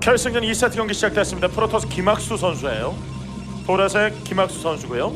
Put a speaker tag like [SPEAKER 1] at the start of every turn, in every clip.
[SPEAKER 1] 결승전 2세트 경기 시작됐습니다. 프로토스 김학수 선수예요. 보라색 김학수 선수고요.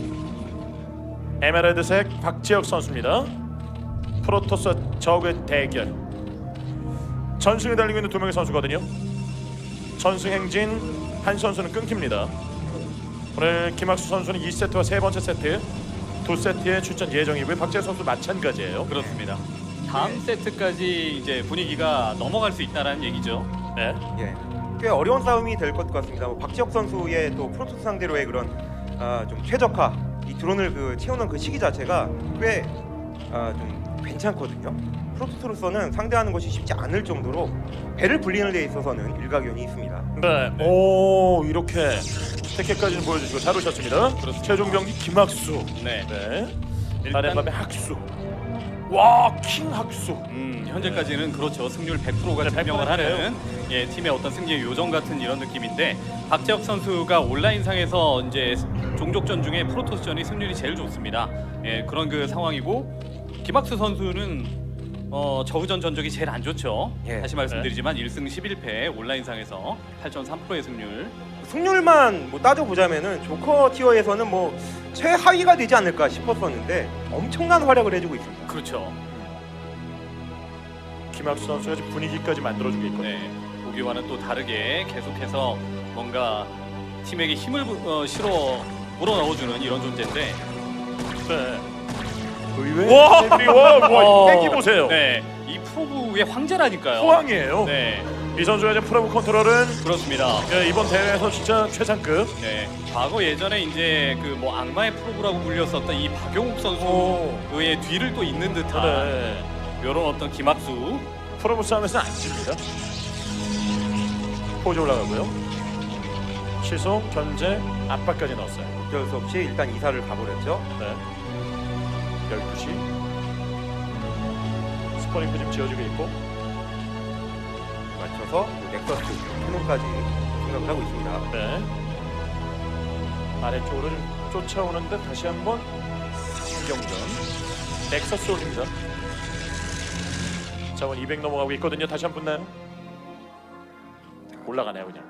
[SPEAKER 1] 에메랄드색 박지혁 선수입니다. 프로토스 적의 대결. 전승에 달리고 있는 두 명의 선수거든요. 전승 행진 한 선수는 끊깁니다. 오늘 김학수 선수는 2세트와 세 번째 세트 두 세트에 출전 예정이고요. 박지혁 선수 마찬가지예요.
[SPEAKER 2] 그렇습니다. 다음 세트까지 이제 분위기가 넘어갈 수 있다라는 얘기죠.
[SPEAKER 1] 네.
[SPEAKER 3] 예, 꽤 어려운 싸움이 될 것 같습니다. 박지혁 선수의 또 프로토스 상대로의 그런 좀 최적화, 이 드론을 채우는 그 시기 자체가 꽤 좀 괜찮거든요. 프로토스로서는 상대하는 것이 쉽지 않을 정도로 배를 불리는 데 있어서는 일가견이 있습니다.
[SPEAKER 1] 네. 오, 이렇게 세케까지는 보여주시고 잘 오셨습니다.
[SPEAKER 2] 그렇습니다.
[SPEAKER 1] 최종 경기 김학수.
[SPEAKER 2] 네.
[SPEAKER 1] 네.
[SPEAKER 2] 일단
[SPEAKER 1] 다른밤의 학수. 와, 킹 학수.
[SPEAKER 2] 현재까지는 그렇죠. 승률 100%가
[SPEAKER 1] 네,
[SPEAKER 2] 증명을
[SPEAKER 1] 100% 예요.
[SPEAKER 2] 하는 팀의 어떤 승리의 요정 같은 이런 느낌인데 박재혁 선수가 온라인상에서 이제 종족전 중에 프로토스전이 승률이 제일 좋습니다. 그런 그 상황이고 김학수 선수는 저우전 전적이 제일 안 좋죠.
[SPEAKER 3] 예.
[SPEAKER 2] 다시 말씀드리지만 1승 11패 온라인상에서 8.3%의 승률.
[SPEAKER 3] 승률만 따져보자면은 조커 티어에서는 최하위가 되지 않을까 싶었었는데 엄청난 활약을 해주고 있습니다.
[SPEAKER 2] 그렇죠.
[SPEAKER 1] 김학수 선수가 지금 분위기까지 만들어주고 있거든요.
[SPEAKER 2] 네. 보기와는 또 다르게 계속해서 뭔가 팀에게 힘을 실어 물어넣어주는 이런 존재인데.
[SPEAKER 1] 네. 와, 땡기 보세요.
[SPEAKER 2] 네, 이 프로브의 황제라니까요.
[SPEAKER 1] 호황이에요.
[SPEAKER 2] 네,
[SPEAKER 1] 이 선수의 이제 프로브 컨트롤은
[SPEAKER 2] 그렇습니다.
[SPEAKER 1] 이번 대회에서 진짜 최상급.
[SPEAKER 2] 네, 과거 예전에 이제 악마의 프로브라고 불렸었던 이 박용욱
[SPEAKER 1] 오.
[SPEAKER 2] 선수의 뒤를 또 잇는 듯한
[SPEAKER 1] 네.
[SPEAKER 2] 이런 어떤 김학수.
[SPEAKER 1] 프로브 싸움에서는 안 집니다. 포즈 올라가고요. 시속, 견제, 압박까지 넣었어요.
[SPEAKER 3] 어쩔 수 없이 일단 이사를 가버렸죠.
[SPEAKER 1] 네. 12시. 스포닝도 지금 지어주고 있고.
[SPEAKER 3] 맞춰서 넥서스 캐논까지 생각을 하고 있습니다.
[SPEAKER 1] 네. 아래쪽으로 좀 쫓아오는데 다시 한번 신경전. 넥서스 올립니다. 자원 200 넘어가고 있거든요. 다시 한번 붙나요? 올라가네요 그냥.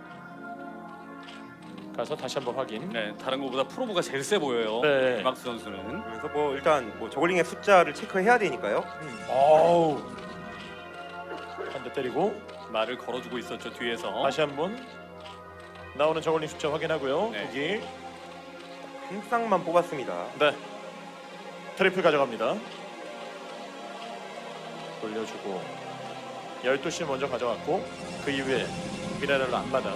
[SPEAKER 1] 가서 다시 한번 확인.
[SPEAKER 2] 네, 다른 것보다 프로브가 제일 세 보여요.
[SPEAKER 1] 네.
[SPEAKER 2] 김학수 선수는.
[SPEAKER 3] 그래서 일단 저글링의 숫자를 체크해야 되니까요.
[SPEAKER 1] 어우. 한 대 때리고
[SPEAKER 2] 말을 걸어주고 있었죠 뒤에서.
[SPEAKER 1] 다시 한번 나오는 저글링 숫자 확인하고요.
[SPEAKER 2] 네.
[SPEAKER 1] 여기.
[SPEAKER 3] 한 쌍만 뽑았습니다.
[SPEAKER 1] 네. 트리플 가져갑니다. 돌려주고 12시 먼저 가져갔고 그 이후에 미네랄로 앞마당.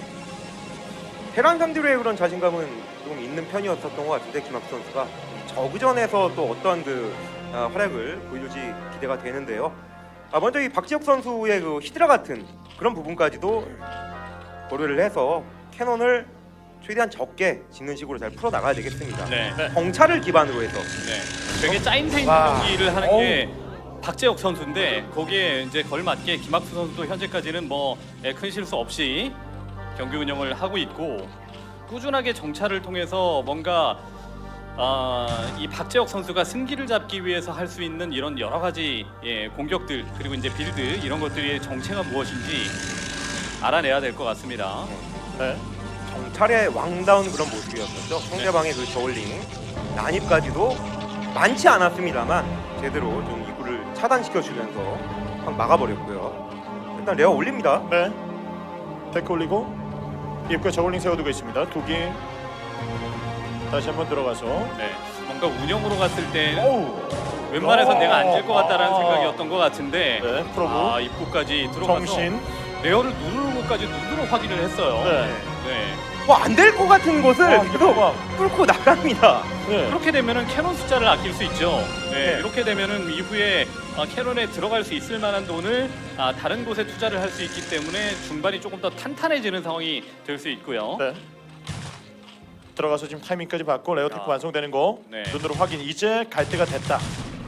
[SPEAKER 3] 테란 상대로의 그런 자신감은 좀 있는 편이었었던 것 같은데 김학수 선수가 저그전에서 또 어떤 활약을 보여줄지 기대가 되는데요. 먼저 이 박지혁 선수의 그 히드라 같은 그런 부분까지도 고려를 해서 캐논을 최대한 적게 짓는 식으로 잘 풀어 나가야 되겠습니다.
[SPEAKER 2] 네.
[SPEAKER 3] 정찰을 기반으로 해서
[SPEAKER 2] 네. 되게 짜임새
[SPEAKER 3] 와.
[SPEAKER 2] 있는 경기를 하는 게 박재혁 선수인데 거기에 이제 걸맞게 김학수 선수도 현재까지는 큰 실수 없이 경기 운영을 하고 있고 꾸준하게 정찰을 통해서 뭔가 이 박재혁 선수가 승기를 잡기 위해서 할 수 있는 이런 여러 가지 공격들 그리고 이제 빌드 이런 것들의 정체가 무엇인지 알아내야 될 것 같습니다.
[SPEAKER 1] 네.
[SPEAKER 3] 정찰의 왕다운 그런 모습이었었죠. 상대방의 그 저울링 난입까지도 많지 않았습니다만 제대로 좀 입구를 차단시켜주면서 확 막아버렸고요. 일단 레어 올립니다.
[SPEAKER 1] 네. 데크 올리고 입구에 저글링 세워두고 있습니다. 두기 다시 한번 들어가서
[SPEAKER 2] 네. 뭔가 운영으로 갔을 때
[SPEAKER 1] 오우.
[SPEAKER 2] 웬만해선 내가 앉을 것 같다라는
[SPEAKER 1] 아.
[SPEAKER 2] 생각이었던 것 같은데
[SPEAKER 1] 네. 프로브
[SPEAKER 2] 입구까지 들어가서
[SPEAKER 1] 정신.
[SPEAKER 2] 레어를 누르는 것까지 눈으로 확인을 했어요.
[SPEAKER 1] 네.
[SPEAKER 2] 네.
[SPEAKER 3] 안 될 것 같은 곳을 계속 뚫고 나갑니다.
[SPEAKER 1] 네.
[SPEAKER 2] 그렇게 되면은 캐논 숫자를 아낄 수 있죠. 네.
[SPEAKER 3] 네.
[SPEAKER 2] 이렇게 되면은 이후에 캐논에 들어갈 수 있을 만한 돈을 다른 곳에 투자를 할 수 있기 때문에 중반이 조금 더 탄탄해지는 상황이 될 수 있고요.
[SPEAKER 1] 네. 들어가서 지금 타이밍까지 받고 레어 테크 완성되는 거
[SPEAKER 2] 네.
[SPEAKER 1] 눈으로 확인. 이제 갈 때가 됐다.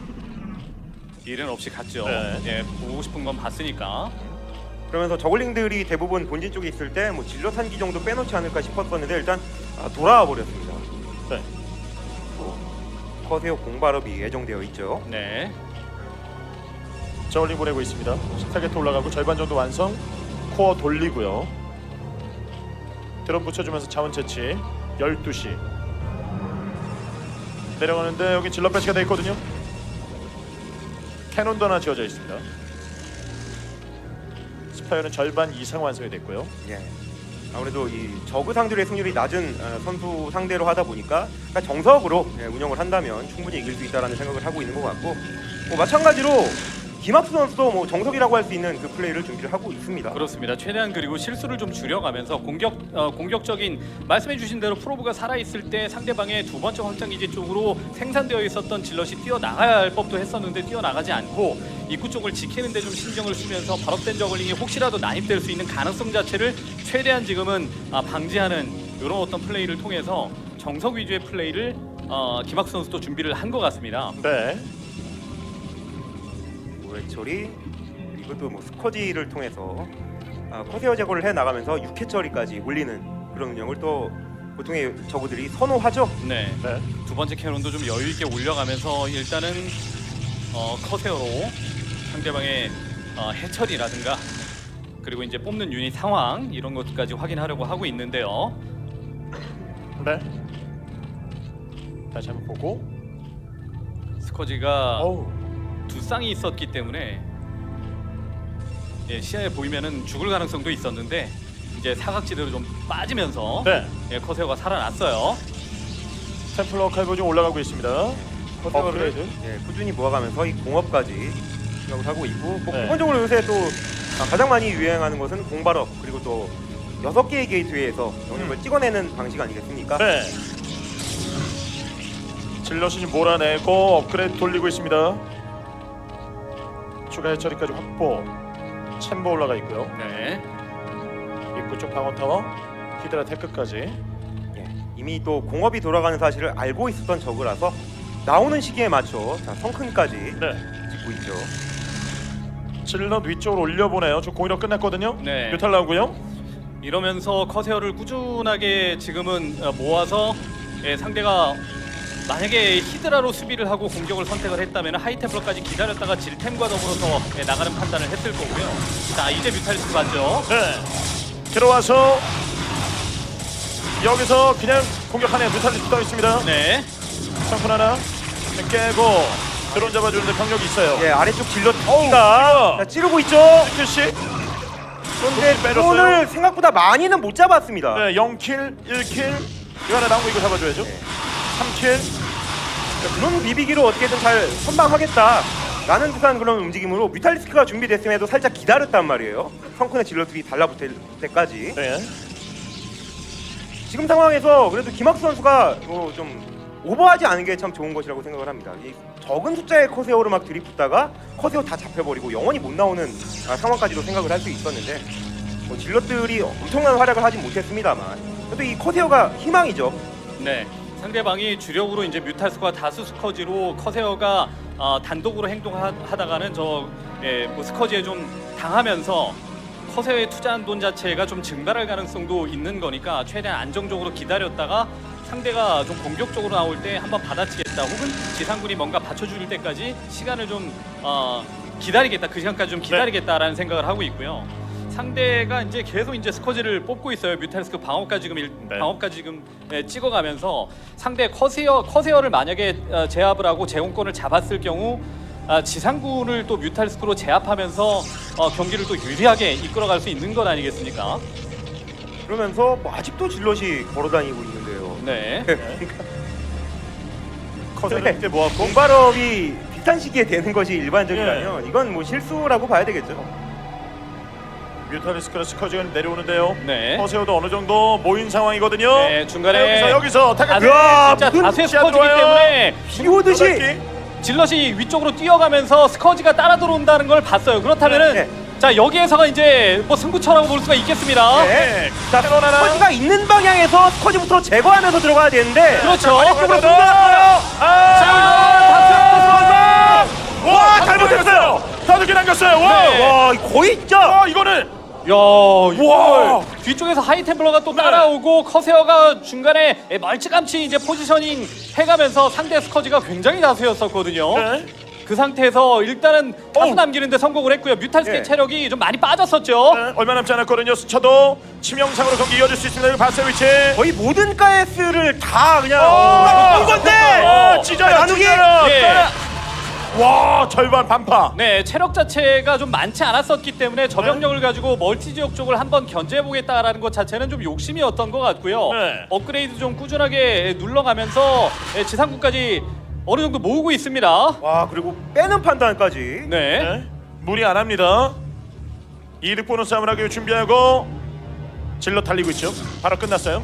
[SPEAKER 2] 일은 없이 갔죠.
[SPEAKER 1] 네.
[SPEAKER 2] 네. 보고 싶은 건 봤으니까.
[SPEAKER 3] 그러면서 저글링들이 대부분 본진 쪽에 있을 때 진로 산기 정도 빼놓지 않을까 싶었었는데 일단 돌아와 버렸습니다.
[SPEAKER 1] 네.
[SPEAKER 3] 커세어 공발업이 예정되어 있죠.
[SPEAKER 2] 네.
[SPEAKER 1] 저울링 보내고 있습니다. 타겟 올라가고 절반 정도 완성. 코어 돌리고요. 드론 붙여주면서 자원 채취. 12시 내려가는데 여기 질럿 배치가 돼 있거든요. 캐논도 하나 지어져 있습니다. 스파이어는 절반 이상 완성이 됐고요.
[SPEAKER 3] 예. 아무래도 이 저그 상대의 승률이 낮은 선수 상대로 하다 보니까 그러니까 정석으로 운영을 한다면 충분히 이길 수 있다라는 생각을 하고 있는 것 같고, 뭐 마찬가지로 김학수 선수도 뭐 정석이라고 할 수 있는 그 플레이를 준비를 하고 있습니다.
[SPEAKER 2] 그렇습니다. 최대한 그리고 실수를 좀 줄여가면서 공격적인 말씀해주신 대로 프로브가 살아 있을 때 상대방의 두 번째 확장 기지 쪽으로 생산되어 있었던 질럿이 뛰어 나가야 할 법도 했었는데 뛰어 나가지 않고 입구 쪽을 지키는데 좀 신경을 쓰면서 발업된 저글링이 혹시라도 난입될 수 있는 가능성 자체를 최대한 지금은 방지하는 이런 어떤 플레이를 통해서 정석 위주의 플레이를 김학수 선수도 준비를 한 것 같습니다.
[SPEAKER 1] 네.
[SPEAKER 3] 해처리 그리고 또 뭐 스커지를 통해서 커세어 제거를 해 나가면서 6회 처리까지 올리는 그런 운영을 또 보통의 저그들이 선호하죠.
[SPEAKER 2] 네.
[SPEAKER 1] 네.
[SPEAKER 2] 두 번째 캐논도 좀 여유 있게 올려가면서 일단은 커세어로 상대방의 해처리라든가 그리고 이제 뽑는 유닛 상황 이런 것까지 확인하려고 하고 있는데요.
[SPEAKER 1] 네. 다시 한번 보고.
[SPEAKER 2] 스커지가
[SPEAKER 1] 어우.
[SPEAKER 2] 두 쌍이 있었기 때문에 시야에 보이면은 죽을 가능성도 있었는데 이제 사각지대로 좀 빠지면서
[SPEAKER 1] 네.
[SPEAKER 2] 커세어가 살아났어요.
[SPEAKER 1] 템플러 칼보 좀 올라가고 있습니다.
[SPEAKER 3] 커세어를
[SPEAKER 1] 업그레이드.
[SPEAKER 3] 꾸준히 모아가면서 이 공업까지 생각을 하고 있고, 뭐
[SPEAKER 1] 네.
[SPEAKER 3] 기본적으로 요새 또 가장 많이 유행하는 것은 공발업 그리고 또 6개의 게이트웨이에서 영역을 찍어내는 방식 아니겠습니까?
[SPEAKER 1] 네. 질럿이 좀 몰아내고 업그레이드 돌리고 있습니다. 추가 해처리까지 확보. 챔버 올라가 있고요.
[SPEAKER 2] 네.
[SPEAKER 1] 입구 쪽 방어 타워, 히드라 테크까지.
[SPEAKER 3] 예, 이미 또 공업이 돌아가는 사실을 알고 있었던 저그라서 나오는 시기에 맞춰 성큰까지
[SPEAKER 1] 네.
[SPEAKER 3] 짓고 있죠.
[SPEAKER 1] 질럿 위쪽으로 올려보네요. 저 공이력 끝났거든요.
[SPEAKER 2] 네.
[SPEAKER 1] 뮤탈 나오고요.
[SPEAKER 2] 이러면서 커세어를 꾸준하게 지금은 모아서 상대가 만약에 히드라로 수비를 하고 공격을 선택을 했다면 하이템플러까지 기다렸다가 질템과 더불어서 나가는 판단을 했을 거고요. 자, 이제 뮤탈리스크 봤죠?
[SPEAKER 1] 네. 들어와서 여기서 그냥 공격하네요. 뮤탈리스트 떠 있습니다.
[SPEAKER 2] 네.
[SPEAKER 1] 상품 하나 깨고 드론 잡아주는데 병력이 있어요.
[SPEAKER 3] 예, 아래쪽 질럿
[SPEAKER 1] 어우,
[SPEAKER 3] 기가 찌르고 있죠.
[SPEAKER 1] 씨.
[SPEAKER 3] 그런데
[SPEAKER 1] 빼줬어요.
[SPEAKER 3] 드론을 생각보다 많이는 못 잡았습니다.
[SPEAKER 1] 네, 0킬, 1킬. 이거 하나 나온 거 이거 잡아줘야죠.
[SPEAKER 3] 네.
[SPEAKER 1] 3킬.
[SPEAKER 3] 드론 비비기로 어떻게든 잘 선방하겠다라는 듯한 그런 움직임으로 뮤탈리스크가 준비됐음에도 살짝 기다렸단 말이에요. 성큰의 질럿들이 달라붙을 때까지.
[SPEAKER 1] 네.
[SPEAKER 3] 지금 상황에서 그래도 김학수 선수가 좀 오버하지 않은 게 참 좋은 것이라고 생각을 합니다. 이 적은 숫자의 커세어로 막 들이붙다가 커세어 다 잡혀버리고 영원히 못 나오는 상황까지도 생각을 할 수 있었는데, 뭐 질럿들이 엄청난 활약을 하진 못했습니다만 그래도 이 커세어가 희망이죠.
[SPEAKER 2] 네. 상대방이 주력으로 이제 뮤탈스과 다수 스커지로 커세어가 단독으로 행동하다가는 뭐 스커지에 좀 당하면서 커세어에 투자한 돈 자체가 좀 증발할 가능성도 있는 거니까 최대한 안정적으로 기다렸다가 상대가 좀 공격적으로 나올 때 한번 받아치겠다, 혹은 지상군이 뭔가 받쳐줄 때까지 시간을 좀 기다리겠다, 그 시간까지 좀 기다리겠다라는 생각을 하고 있고요. 상대가 이제 계속 이제 스커지를 뽑고 있어요. 뮤탈리스크 방어까지 지금 찍어가면서 상대 커세어를 만약에 제압을 하고 제공권을 잡았을 경우 지상군을 또 뮤탈리스크로 제압하면서 경기를 또 유리하게 이끌어갈 수 있는 것 아니겠습니까?
[SPEAKER 3] 그러면서 뭐 아직도 질럿이 걸어다니고 있는데요.
[SPEAKER 2] 네.
[SPEAKER 1] 커세어를 이렇게 모았고.
[SPEAKER 3] 공발업이 비슷한 시기에 되는 것이 일반적이라면 이건 뭐 실수라고 봐야 되겠죠.
[SPEAKER 1] 뮤탈리스크라 스커지가 내려오는데요.
[SPEAKER 2] 네.
[SPEAKER 1] 커세어도 어느 정도 모인 상황이거든요.
[SPEAKER 2] 네, 중간에
[SPEAKER 1] 여기서 타겟.
[SPEAKER 2] 진짜 다수의
[SPEAKER 1] 시야
[SPEAKER 2] 스커지기
[SPEAKER 1] 좋아요.
[SPEAKER 2] 때문에
[SPEAKER 3] 비 오듯이
[SPEAKER 2] 질럿이 위쪽으로 뛰어가면서 스커지가 따라 들어온다는 걸 봤어요. 그렇다면은
[SPEAKER 3] 네.
[SPEAKER 2] 자, 여기에서가 이제 뭐 승부처라고 볼 수가 있겠습니다.
[SPEAKER 3] 네.
[SPEAKER 1] 자,
[SPEAKER 3] 자,
[SPEAKER 1] 캐논 하나.
[SPEAKER 3] 스커지가 있는 방향에서 스커지부터 제거하면서 들어가야 되는데
[SPEAKER 2] 그렇죠.
[SPEAKER 3] 아래쪽으로
[SPEAKER 1] 자,
[SPEAKER 3] 쏟아놨어요.
[SPEAKER 1] 와, 잘못했어요. 다섯 개 남겼어요. 와.
[SPEAKER 2] 네.
[SPEAKER 3] 와, 거의 진짜
[SPEAKER 1] 이거는
[SPEAKER 2] 야,
[SPEAKER 1] 와.
[SPEAKER 2] 이걸 뒤쪽에서 하이템플러가 또 따라오고 커세어가 중간에 멀찌감치 이제 포지셔닝 해가면서 상대 스커지가 굉장히 다수였었거든요.
[SPEAKER 1] 네.
[SPEAKER 2] 그 상태에서 일단은 다수
[SPEAKER 1] 어우.
[SPEAKER 2] 남기는데 성공을 했고요. 뮤탈스의
[SPEAKER 3] 네.
[SPEAKER 2] 체력이 좀 많이 빠졌었죠.
[SPEAKER 1] 네, 얼마 남지 않았거든요. 스쳐도 치명상으로 경기 이어질 수 있습니다. 여기 봤어요 위치.
[SPEAKER 3] 거의 모든 가스를 다 그냥
[SPEAKER 1] 어,
[SPEAKER 3] 본 건데
[SPEAKER 1] 찢어요,
[SPEAKER 3] 나누기
[SPEAKER 1] 찢어요.
[SPEAKER 2] 예.
[SPEAKER 1] 와, 절반 반파.
[SPEAKER 2] 네, 체력 자체가 좀 많지 않았었기 때문에 저병력을 가지고 멀티 지역 쪽을 한번 견제해보겠다라는 것 자체는 좀 욕심이었던 것 같고요.
[SPEAKER 1] 네.
[SPEAKER 2] 업그레이드 좀 꾸준하게 눌러가면서 지상군까지 어느 정도 모으고 있습니다.
[SPEAKER 3] 와 그리고 빼는 판단까지
[SPEAKER 2] 네.
[SPEAKER 1] 네. 무리 안 합니다. 이득 보는 싸움을 하기 위해 준비하고 질러 달리고 있죠. 바로 끝났어요.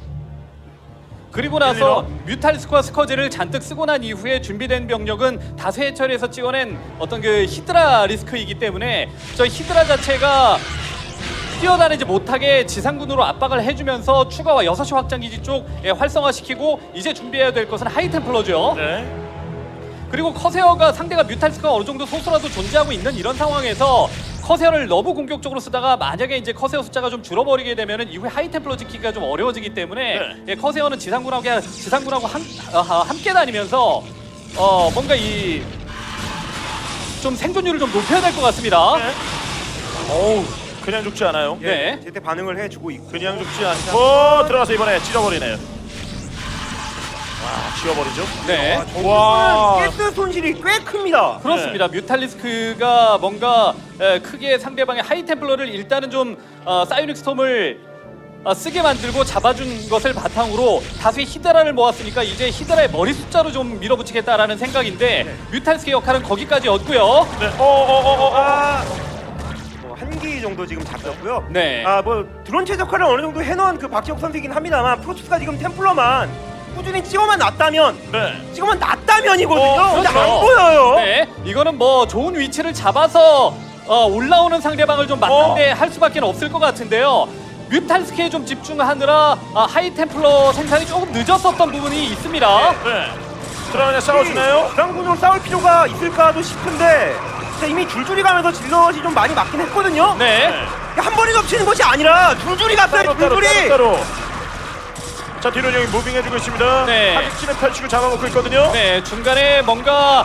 [SPEAKER 2] 그리고 나서
[SPEAKER 1] 1-1-0.
[SPEAKER 2] 뮤탈스과 스커지를 잔뜩 쓰고 난 이후에 준비된 병력은 다수 해처리에서 찍어낸 어떤 그 히드라 리스크이기 때문에 저 히드라 자체가 뛰어다니지 못하게 지상군으로 압박을 해주면서 추가와 6시 확장기지 쪽 활성화시키고 이제 준비해야 될 것은 하이템플러죠.
[SPEAKER 1] 네.
[SPEAKER 2] 그리고 커세어가 상대가 뮤탈스가 어느 정도 소수라도 존재하고 있는 이런 상황에서 커세어를 너무 공격적으로 쓰다가 만약에 이제 커세어 숫자가 좀 줄어버리게 되면은 이후에 하이템플러 지키기가 좀 어려워지기 때문에
[SPEAKER 1] 네.
[SPEAKER 2] 예, 커세어는 지상군하고 함께 다니면서 뭔가 이 좀 생존율을 좀 높여야 될 것 같습니다.
[SPEAKER 1] 네. 어우, 그냥 죽지 않아요.
[SPEAKER 3] 예,
[SPEAKER 2] 네.
[SPEAKER 3] 제때 반응을 해주고 있고
[SPEAKER 1] 그냥 죽지 않고 들어가서 이번에 찢어버리네요. 와, 지워버리죠.
[SPEAKER 2] 네.
[SPEAKER 1] 와.
[SPEAKER 3] 가스 손실이 꽤 큽니다.
[SPEAKER 2] 그렇습니다. 뮤탈리스크가 뭔가 크게 상대방의 하이템플러를 일단은 좀 사이닉 스톰을 쓰게 만들고 잡아준 것을 바탕으로 다수의 히드라를 모았으니까 이제 히드라의 머리 숫자로 좀 밀어붙이겠다라는 생각인데 뮤탈리스크의 역할은 거기까지였고요.
[SPEAKER 1] 네.
[SPEAKER 3] 한 기 정도 지금 잡혔고요.
[SPEAKER 2] 네.
[SPEAKER 3] 뭐 드론 최적화를 어느 정도 해놓은 그 박지혁 선수이긴 합니다만 프로토스가 지금 템플러만 꾸준히 찍어만 놨다면
[SPEAKER 1] 네.
[SPEAKER 3] 찍어만 놨다면이거든요. 근데
[SPEAKER 2] 그렇죠.
[SPEAKER 3] 안 보여요.
[SPEAKER 2] 네, 이거는 뭐 좋은 위치를 잡아서 올라오는 상대방을 좀 맞는데 할 수밖에 없을 것 같은데요. 뮤탈스크에 좀 집중하느라 하이템플러 생산이 조금 늦었었던 부분이 있습니다.
[SPEAKER 1] 네. 들어가냐 싸워주나요?
[SPEAKER 3] 부상군으로 싸울 필요가 있을까도 싶은데 이미 줄줄이 가면서 질럿이 좀 많이 맞긴 했거든요.
[SPEAKER 2] 네.
[SPEAKER 3] 한 번에 덮치는 것이 아니라 줄줄이 갔어요. 줄줄이.
[SPEAKER 1] 따로. 자, 뒤로 여기 무빙해주고 있습니다.
[SPEAKER 2] 네.
[SPEAKER 1] 하객진을 펼치고 잡아먹고 있거든요.
[SPEAKER 2] 네, 중간에 뭔가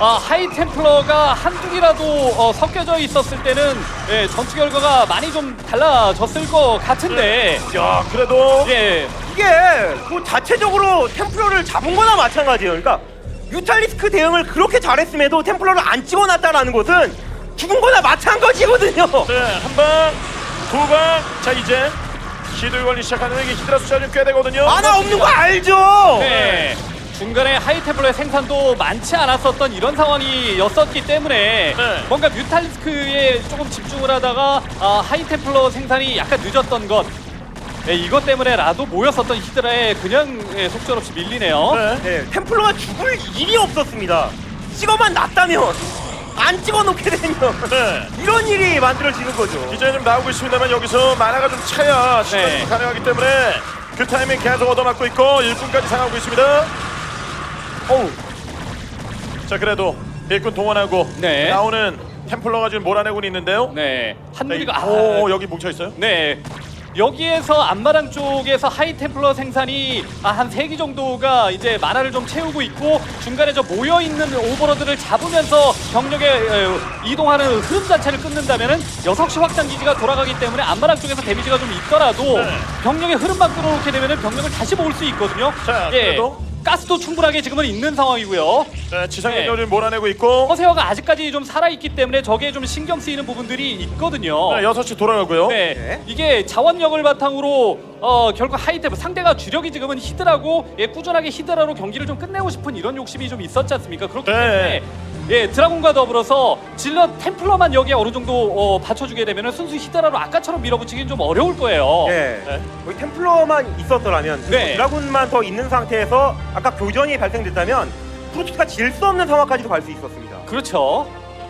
[SPEAKER 2] 하이템플러가 한둘이라도 섞여져 있었을 때는 전투 결과가 많이 좀 달라졌을 것 같은데
[SPEAKER 1] 야, 그래도
[SPEAKER 2] 예,
[SPEAKER 3] 이게 그 자체적으로 템플러를 잡은 거나 마찬가지예요. 그러니까 뮤탈리스크 대응을 그렇게 잘했음에도 템플러를 안 찍어놨다라는 것은 죽은 거나 마찬가지거든요.
[SPEAKER 1] 네, 한 방, 두 방. 자, 이제 시도에 걸리 시작하는 이게 히드라 숫자가 좀 꽤 되거든요.
[SPEAKER 3] 하나 없는 거 알죠?
[SPEAKER 2] 네. 중간에 하이템플러의 생산도 많지 않았었던 이런 상황이었었기 때문에
[SPEAKER 1] 네.
[SPEAKER 2] 뭔가 뮤탈리스크에 조금 집중을 하다가 하이템플러 생산이 약간 늦었던 것 이것 때문에라도 모였었던 히드라에 그냥 속절없이 밀리네요.
[SPEAKER 1] 네.
[SPEAKER 3] 네, 템플러가 죽을 일이 없었습니다. 찍어만 놨다면 안 찍어놓게 되면
[SPEAKER 1] 네.
[SPEAKER 3] 이런 일이 만들어지는 거죠.
[SPEAKER 1] 이제 좀 나오고 있습니다만 여기서 만화가 좀 차야 시간이
[SPEAKER 2] 네.
[SPEAKER 1] 가능하기 때문에 그 타이밍 계속 얻어맞고 있고 1분까지 상하고 있습니다. 어우. 자, 그래도 일꾼 동원하고
[SPEAKER 2] 네.
[SPEAKER 1] 나오는 템플러가 지금 몰아내고 있는데요.
[SPEAKER 2] 네, 한누리가
[SPEAKER 1] 오, 여기 뭉쳐 있어요.
[SPEAKER 2] 네. 여기에서 앞마당 쪽에서 하이템플러 생산이 한 3기 정도가 이제 만화를 좀 채우고 있고 중간에 저 모여있는 오버로드를 잡으면서 병력에 이동하는 흐름 자체를 끊는다면은 6시 확장 기지가 돌아가기 때문에 앞마당 쪽에서 데미지가 좀 있더라도
[SPEAKER 1] 네.
[SPEAKER 2] 병력의 흐름만 끌어놓게 되면은 병력을 다시 모을 수 있거든요.
[SPEAKER 1] 자,
[SPEAKER 2] 예.
[SPEAKER 1] 그래도?
[SPEAKER 2] 가스도 충분하게 지금은 있는 상황이고요.
[SPEAKER 1] 네, 지상
[SPEAKER 2] 네.
[SPEAKER 1] 병력을 몰아내고 있고
[SPEAKER 2] 허세어가 아직까지 좀 살아있기 때문에 저게 좀 신경 쓰이는 부분들이 있거든요.
[SPEAKER 1] 네, 6시 돌아가고요.
[SPEAKER 2] 네.
[SPEAKER 3] 네.
[SPEAKER 2] 이게 자원력을 바탕으로 결국 하이템 상대가 주력이 지금은 히드라고 꾸준하게 히드라로 경기를 좀 끝내고 싶은 이런 욕심이 좀 있었지 않습니까? 그렇기
[SPEAKER 1] 네.
[SPEAKER 2] 때문에 드라군과 더불어서 질럿 템플러만 여기에 어느 정도 받쳐주게 되면 순수 히드라로 아까처럼 밀어붙이기는 좀 어려울 거예요.
[SPEAKER 3] 네.
[SPEAKER 1] 네.
[SPEAKER 3] 거기 템플러만 있었더라면 그리고
[SPEAKER 2] 네.
[SPEAKER 3] 드라군만 더 있는 상태에서 아까 교전이 발생됐다면 프로토스가 질 수 없는 상황까지도 갈 수 있었습니다.
[SPEAKER 2] 그렇죠.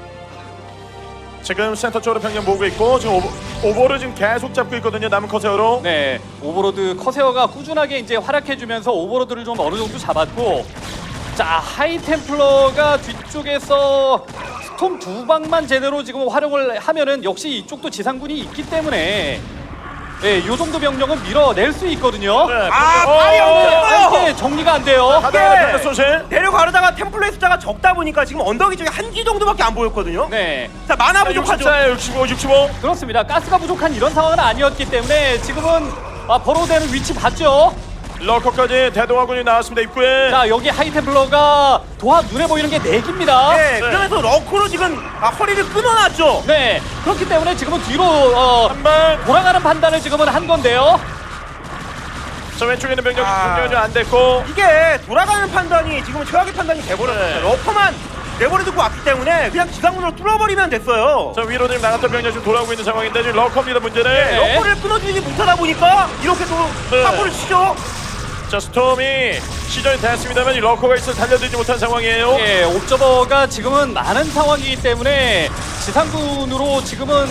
[SPEAKER 1] 지금 센터 쪽으로 병력 모으고 있고 지금 오버를 지금 계속 잡고 있거든요. 남은 커세어로.
[SPEAKER 2] 네, 오버로드 커세어가 꾸준하게 이제 활약해주면서 오버로드를 좀 어느 정도 잡았고, 자 하이템플러가 뒤쪽에서 스톰 2방만 제대로 지금 활용을 하면은 역시 이쪽도 지상군이 있기 때문에 요 정도 병력은 밀어낼 수 있거든요.
[SPEAKER 1] 네,
[SPEAKER 3] 발이 없어요.
[SPEAKER 2] 이게 정리가 안 돼요.
[SPEAKER 1] 하다가 소실.
[SPEAKER 3] 내려가려다가 템플러의 숫자가 적다 보니까 지금 언덕이 저기 한 기 정도밖에 안 보였거든요.
[SPEAKER 2] 네,
[SPEAKER 3] 자, 만화 부족하죠.
[SPEAKER 1] 65, 65.
[SPEAKER 2] 그렇습니다. 가스가 부족한 이런 상황은 아니었기 때문에 지금은 버로우되는 위치 봤죠.
[SPEAKER 1] 러커까지 대동아군이 나왔습니다. 입구에.
[SPEAKER 2] 자, 여기 하이템플러가 도합 눈에 보이는 게 4기입니다.
[SPEAKER 3] 네, 그러면서 러커로 지금 허리를 끊어놨죠.
[SPEAKER 2] 네, 그렇기 때문에 지금은 뒤로
[SPEAKER 1] 한방.
[SPEAKER 2] 돌아가는 판단을 지금은 한 건데요.
[SPEAKER 1] 저 왼쪽에 있는 병력
[SPEAKER 3] 아.
[SPEAKER 1] 공격이 안 됐고.
[SPEAKER 3] 이게 돌아가는 판단이 지금 최악의 판단이 돼버렸어요.
[SPEAKER 1] 네.
[SPEAKER 3] 러커만 내버려두고 왔기 때문에 그냥 기상문으로 뚫어버리면 됐어요.
[SPEAKER 1] 저 위로 지금 나갔던 병력 지금 돌아오고 있는 상황인데 지금 러커입니다. 문제는.
[SPEAKER 2] 네.
[SPEAKER 3] 러커를 끊어주지 못하다 보니까 이렇게 또
[SPEAKER 1] 네.
[SPEAKER 3] 사고를 치죠.
[SPEAKER 1] 자, 스톰이 시전이 됐습니다만 이 러커가 있어 달려들지 못한 상황이에요.
[SPEAKER 2] 예, 옵저버가 지금은 많은 상황이기 때문에 지상군으로 지금은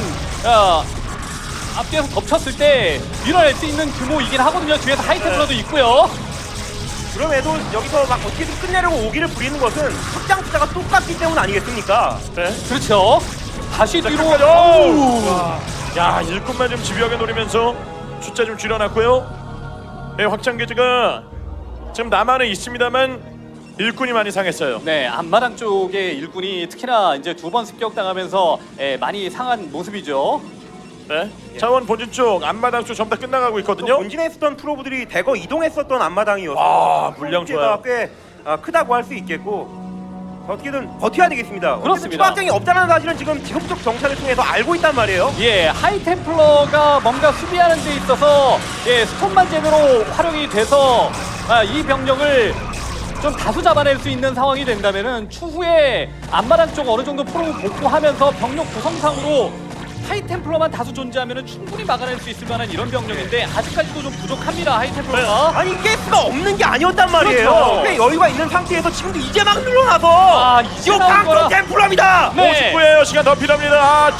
[SPEAKER 2] 앞뒤에서 덮쳤을 때 밀어낼 수 있는 규모이긴 하거든요. 뒤에서 하이템플러도 있고요.
[SPEAKER 3] 그럼에도 여기서 막 어떻게든 끝내려고 오기를 부리는 것은 확장 숫자가 똑같기 때문 아니겠습니까?
[SPEAKER 1] 네.
[SPEAKER 2] 그렇죠. 다시 뒤로.
[SPEAKER 1] 끝까지.
[SPEAKER 2] 어우.
[SPEAKER 1] 야, 일꾼만 좀 집요하게 노리면서 숫자 좀 줄여놨고요. 네, 확장 기지가 지금 남한은 있습니다만 일꾼이 많이 상했어요.
[SPEAKER 2] 네, 앞마당 쪽의 일꾼이 특히나 이제 2번 습격당하면서 많이 상한 모습이죠.
[SPEAKER 1] 네. 자원 본진 쪽, 앞마당 쪽 전부 다 끝나가고
[SPEAKER 3] 또
[SPEAKER 1] 있거든요.
[SPEAKER 3] 본진에 있었던 프로브들이 대거 이동했었던 앞마당이어서
[SPEAKER 1] 아, 물량 좋아요.
[SPEAKER 3] 꽤 크다고 할 수 있겠고 어떻게든 버텨야 되겠습니다.
[SPEAKER 2] 그렇습니다.
[SPEAKER 3] 추가장이 없다는 사실은 지금 지속적 정찰을 통해서 알고 있단 말이에요.
[SPEAKER 2] 예, 하이템플러가 뭔가 수비하는 데 있어서 스톰만 제대로 활용이 돼서 이 병력을 좀 다수 잡아낼 수 있는 상황이 된다면은 추후에 앞마당 쪽 어느 정도 프로 복구하면서 병력 구성상으로 하이템플러만 다수 존재하면은 충분히 막아낼 수 있을 만한 이런 병력인데 아직까지도 좀 부족합니다. 하이템플러가.
[SPEAKER 3] 아니 가스가 없는 게 아니었단 말이에요.
[SPEAKER 2] 그렇죠.
[SPEAKER 3] 꽤 여유가 있는 상태에서 지금도 이제 막 눌러놔서
[SPEAKER 2] 아, 이제
[SPEAKER 3] 이거
[SPEAKER 2] 나온 거라.
[SPEAKER 3] 강성 템플러입니다.
[SPEAKER 2] 네.
[SPEAKER 1] 59예요. 시간 더 필요합니다. 아,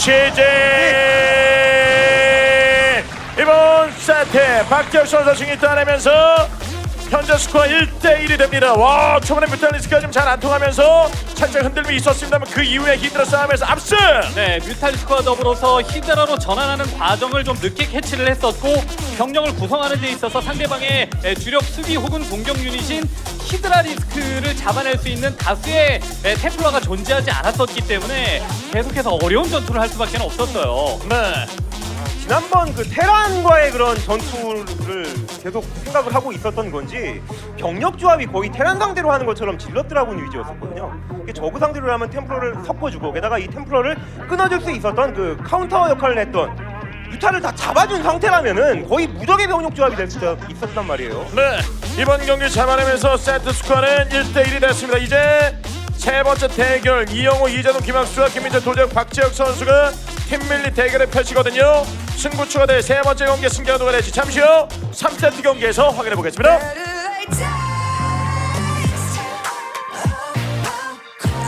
[SPEAKER 1] 제재. 이번 세트 박재혁 선수 승리 따내면서 현재 스코어 1대1이 됩니다. 와, 초반에 뮤탈리스크가 좀 잘 안 통하면서 살짝 흔들림이 있었습니다만 그 이후에 히드라 싸움에서 압승.
[SPEAKER 2] 네, 뮤탈리스크와 더불어서 히드라로 전환하는 과정을 좀 늦게 캐치를 했었고 병력을 구성하는 데 있어서 상대방의 주력 수비 혹은 공격 유닛인 히드라리스크를 잡아낼 수 있는 다수의 템플러가 존재하지 않았었기 때문에 계속해서 어려운 전투를 할 수밖에 없었어요.
[SPEAKER 1] 네.
[SPEAKER 3] 지난번 그 테란과의 그런 전투를 계속 생각을 하고 있었던 건지 병력 조합이 거의 테란 상대로 하는 것처럼 질럿 드라군 위주였었거든요. 이게 저그 상대로 하면 템플러를 섞어주고 게다가 이 템플러를 끊어줄 수 있었던 그 카운터 역할을 했던 유타를 다 잡아준 상태라면은 거의 무적의 병력 조합이 될 수 있었단 말이에요.
[SPEAKER 1] 네. 이번 경기 잡아내면서 세트 스코어는 1대1이 됐습니다. 이제 세 번째 대결 이영호, 이재동, 김학수와 김민재, 도재혁, 박재혁 선수가 팀밀리 대결을 펼치거든요. 승부추가 될 세 번째 경기 승자가 누가 될지 잠시 후 3세트 경기에서 확인해 보겠습니다.
[SPEAKER 4] Better late time.